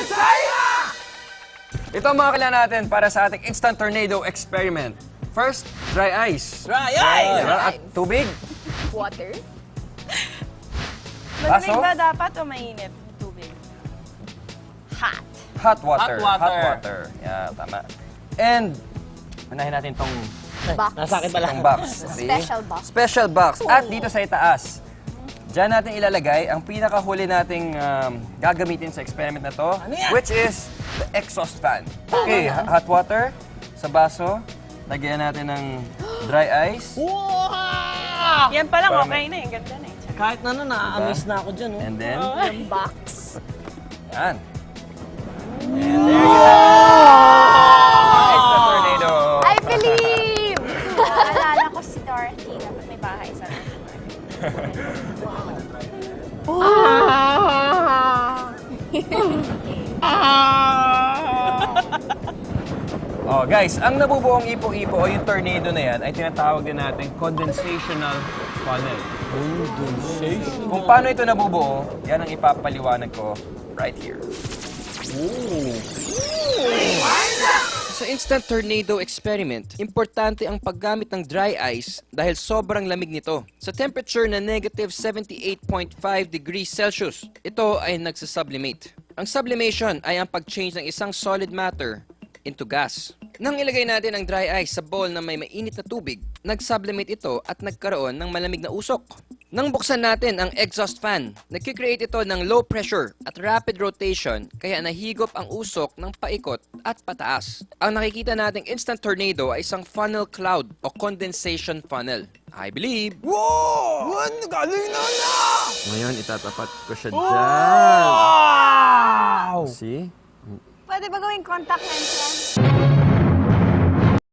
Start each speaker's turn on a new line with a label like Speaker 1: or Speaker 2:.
Speaker 1: Ito ang mga kailangan natin para sa ating instant tornado experiment. First, dry ice.
Speaker 2: Dry ice!
Speaker 1: Diba? At tubig.
Speaker 3: Water?
Speaker 4: Malamig
Speaker 1: Baso?
Speaker 4: ba dapat o mainit? Tubig.
Speaker 3: Hot.
Speaker 1: Hot water.
Speaker 2: Hot water.
Speaker 1: Hot water. Yeah, tama. And, unahin natin tong
Speaker 3: Box.
Speaker 2: Nasa akin pala.
Speaker 1: box. See?
Speaker 3: Special box.
Speaker 1: Special box. At dito sa itaas, diyan natin ilalagay ang pinakahuli nating gagamitin sa experiment na to,
Speaker 2: Ano yan?
Speaker 1: which is the exhaust fan. Okay, hot water sa baso. Lagyan natin ng dry ice.
Speaker 2: Wow!
Speaker 4: Yan pa lang,
Speaker 1: Parang
Speaker 4: okay na eh. Ganda na eh.
Speaker 2: Kahit na na-amaze na ako dyan. Oh.
Speaker 1: And then,
Speaker 3: Yung box.
Speaker 1: yan. And there you have it. Instant tornado.
Speaker 3: I believe!
Speaker 4: Naalala ko si Dorothy. Dapat may bahay sa
Speaker 1: Oh, guys, ang nabubuong ipo-ipo o yung tornado na yan ay tinatawag din natin condensational funnel.
Speaker 2: Condensation.
Speaker 1: Kung paano ito nabubuo, yan ang ipapaliwanag ko right here. Sa instant tornado experiment, importante ang paggamit ng dry ice dahil sobrang lamig nito. Sa temperature na negative 78.5 degrees Celsius, ito ay nagsasublimate. Ang sublimation ay ang pag-change ng isang solid matter into gas. Nang ilagay natin ang dry ice sa bowl na may mainit na tubig, nag-sublimate ito at nagkaroon ng malamig na usok. Nang buksan natin ang exhaust fan, nagkikreate ito ng low pressure at rapid rotation kaya nahigop ang usok ng paikot at pataas. Ang nakikita nating instant tornado ay isang funnel cloud o condensation funnel. I believe.
Speaker 2: Wow! Galing na!
Speaker 1: Ngayon, itatapat ko siya dyan.
Speaker 2: Wow!
Speaker 1: See?
Speaker 4: Pwede ba gawing contact lens yan?